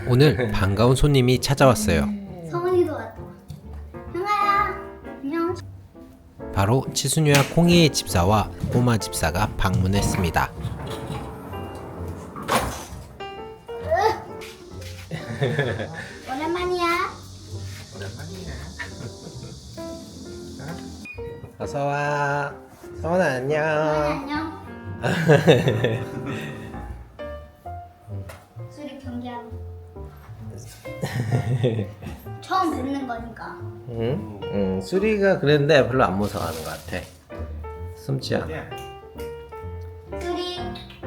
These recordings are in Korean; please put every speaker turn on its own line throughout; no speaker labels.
오늘 반가운 손님이 찾아왔어요.
성훈이도 왔다. 형아야, 안녕.
바로 치순이와 콩이의 집사와 꼬마 집사가 방문했습니다.
오랜만이야.
어서와. 성원아 안녕.
안녕. 수리 경기하고. 처음 뵙는 거니까.
응, 수리가 그랬는데 별로 안 무서워하는 것 같아. 숨지 않아.
수리.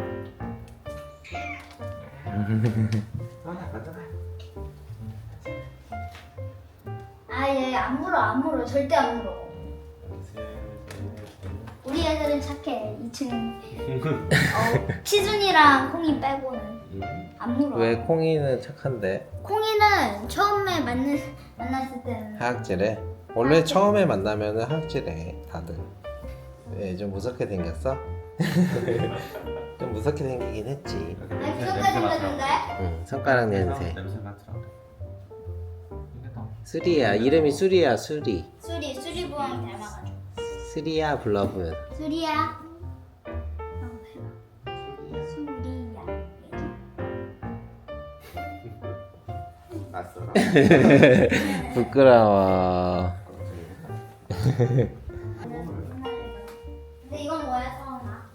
아, 얘 안 물어. 절대 안 물어. 우리 애들은 착해. 2층. 치준이랑 콩이 빼고는 안 물어.
왜 콩이는 착한데?
콩이는 처음에 만났을 때는
하악질해? 원래 처음에 만나면은 하악질해 다들. 왜 좀 무섭게 생겼어? 좀 무섭게 생기긴 했지.
아니 그것까지 생겼는데?
응, 손가락 냄새.
냄새 맡으라고. 이게 더
수리야, 이름이 수리야, 수리.
수리 부엉이 닮아가지고.
수리야 불러보면.
수리야. 수리야.
낯설어.
부끄러워.
근데 이건 뭐야, 서원아?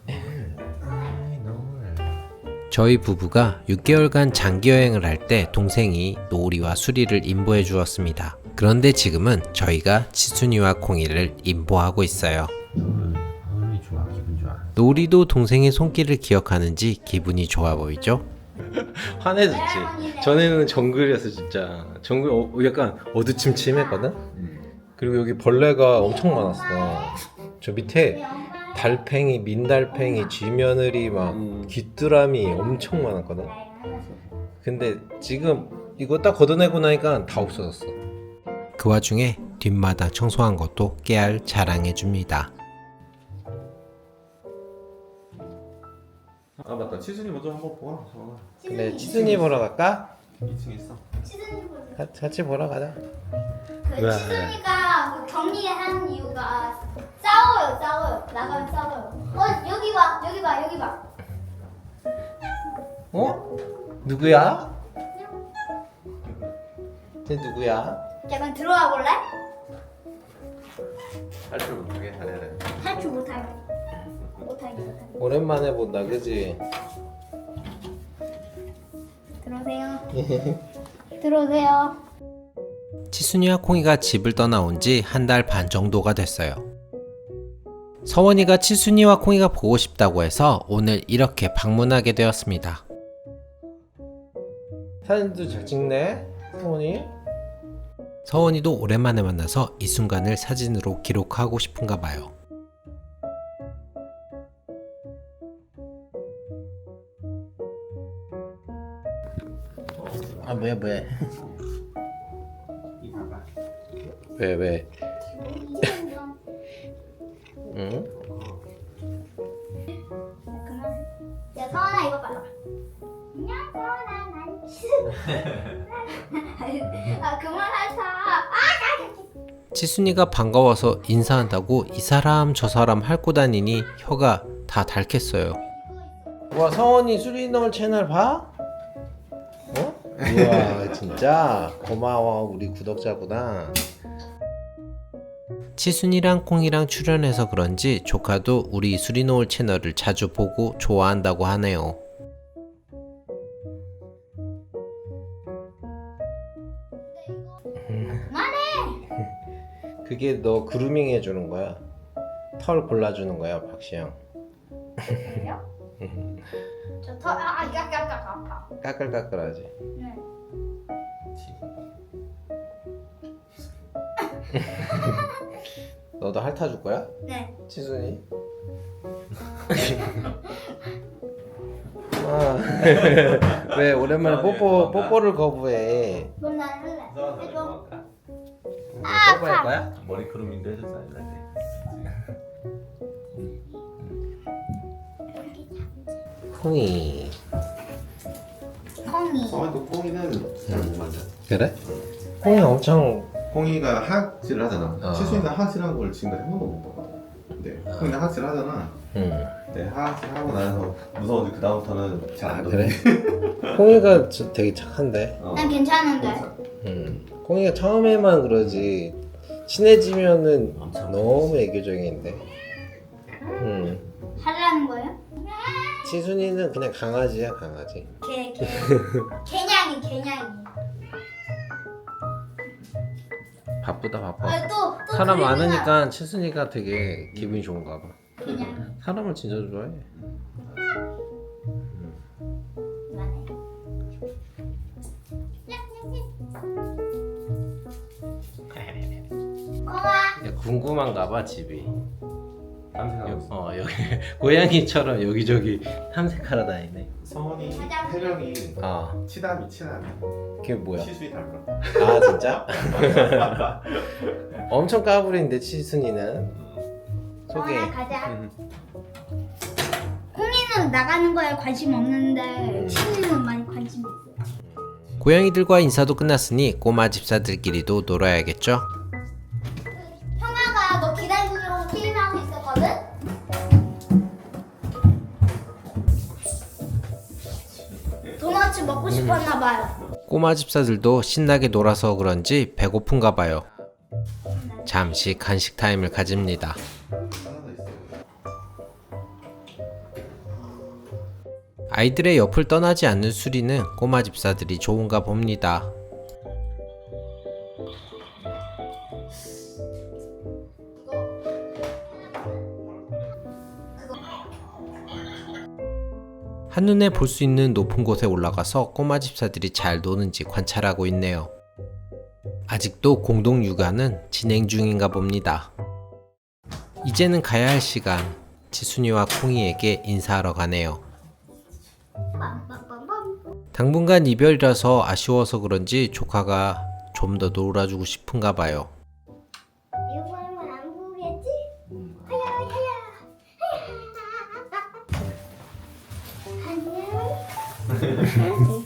저희 부부가 6개월간 장기 여행을 할 때 동생이 노리와 수리를 인보해 주었습니다. 그런데 지금은 저희가 치순이와 콩이를 인보하고 있어요.
오늘 좋아, 기분 좋아.
노리도 동생의 손길을 기억하는지 기분이 좋아 보이죠? 화내졌지. 전에는 정글이었어 진짜. 정글 약간 어두침침했거든. 그리고 여기 벌레가 엄청 많았어. 저 밑에 달팽이, 민달팽이, 쥐며느리 막 귀뚜라미 엄청 많았거든. 근데 지금 이거 딱 걷어내고 나니까 다 없어졌어. 그 와중에 뒷마당 청소한 것도 깨알 자랑해줍니다.
아 맞다, 치순이 먼저 한번 보아. 서원아.
근데 치순이 보러 갈까?
2층에 있어.
치준이 보자.
같이 보러 가자.
그
왜?
치준이가 그 격리한 이유가 싸워요. 나가면 싸워요. 여기 봐.
어? 누구야? 쟤 누구야?
약간 들어와 볼래?
탈출 못하게 잘해야 돼.
탈출 못하게.
오랜만에 본다, 그지?
들어오세요.
치순이와 콩이가 집을 떠나온 지 한 달 반 정도가 됐어요. 서원이가 치순이와 콩이가 보고 싶다고 해서 오늘 이렇게 방문하게 되었습니다. 사진도 잘 찍네, 서원이. 서원이도 오랜만에 만나서 이 순간을 사진으로 기록하고 싶은가 봐요. 아, 왜?
이 봐봐.
왜? 응?
야, 서원아 이거 봐라. 안녕, 서원아. 난 아, 그만하자.
치순이가 반가워서 인사한다고 이 사람 저 사람 핥고 다니니 혀가 다 닳겠어요. 와, 서원이 수리너울 채널 봐? 어? 우와, 진짜 고마워. 우리 구독자구나. 치순이랑 콩이랑 출연해서 그런지 조카도 우리 수리노을 채널을 자주 보고 좋아한다고 하네요. 그게 너 그루밍 해주는 거야. 털 골라주는 거야, 박시영.
그래요? 약간 아파.
까끌까끌하지.
네.
너도 핥아줄 거야?
네.
치순이? 아, 왜 오랜만에 뽀뽀를 거부해?
그럼 난 할래. 해줘.
뽀뽀할 거야?
머리 크루밍도 해줬어, 알라지.
콩이.
콩이. 콩이.
서원이도 콩이는 잘 못 만져.
그래? 콩이 엄청
콩이가 하악질을 하잖아.
어.
치수이는 하악질한 걸 지금까지 한 번도 못 봤거든. 근데 콩이는 하악질 하잖아. 근데 하악질 하고 나서 무서워서 그 다음부터는 잘 안
그래? 콩이가 되게 착한데.
난 괜찮은데.
콩이가 처음에만 그러지 친해지면은
엄청
너무 애교적인데.
하라는 거예요?
치순이는 그냥 강아지야 강아지.
개냥이.
바쁘다 바빠.
아, 또
사람
그림이나.
많으니까 치순이가 되게 기분이 좋은가 봐.
개냥이.
사람을 진짜 좋아해.
이만해. 콩아.
야, 궁금한가 봐 집이.
탐색하고 있어.
여기 고양이처럼 여기저기 탐색하러 다니네.
서원이 폐령이 치담이.
그게 뭐야?
치수이 닮아.
아 진짜? 엄청 까불인데 치순이는. 소개.
콩아 가자. 콩이는 나가는 거에 관심 없는데 치즈는 많이 관심 있어.
고양이들과 인사도 끝났으니 꼬마 집사들끼리도 놀아야겠죠?
형아가 너 기다리려고 게임 하고 있었거든? 도넛 먹고 싶었나 봐요.
꼬마 집사들도 신나게 놀아서 그런지 배고픈가 봐요. 잠시 간식 타임을 가집니다.
하나 있어.
아이들의 옆을 떠나지 않는 수리는 꼬마 집사들이 좋은가 봅니다. 한눈에 볼 수 있는 높은 곳에 올라가서 꼬마 집사들이 잘 노는지 관찰하고 있네요. 아직도 공동 육아는 진행 중인가 봅니다. 이제는 가야 할 시간. 지순이와 콩이에게 인사하러 가네요. 당분간 이별이라서 아쉬워서 그런지 조카가 좀 더 놀아주고 싶은가 봐요.
이거 보면 안 보겠지? 하야. 안녕.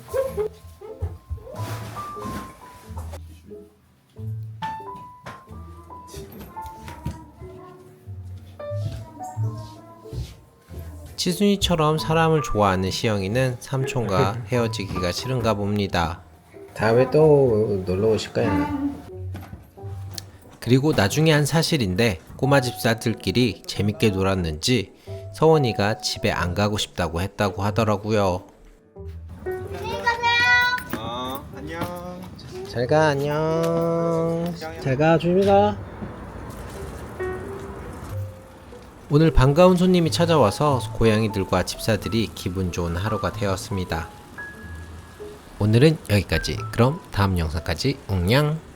치순이처럼 사람을 좋아하는 시영이는 삼촌과 헤어지기가 싫은가 봅니다. 다음에 또 놀러 오실까요? 그리고 나중에 한 사실인데 꼬마 집사들끼리 재밌게 놀았는지 서원이가 집에 안 가고 싶다고 했다고 하더라고요.
안녕히 가세요.
안녕.
잘가 안녕. 잘가 조심히 가. 오늘 반가운 손님이 찾아와서 고양이들과 집사들이 기분 좋은 하루가 되었습니다. 오늘은 여기까지. 그럼 다음 영상까지 웅냥.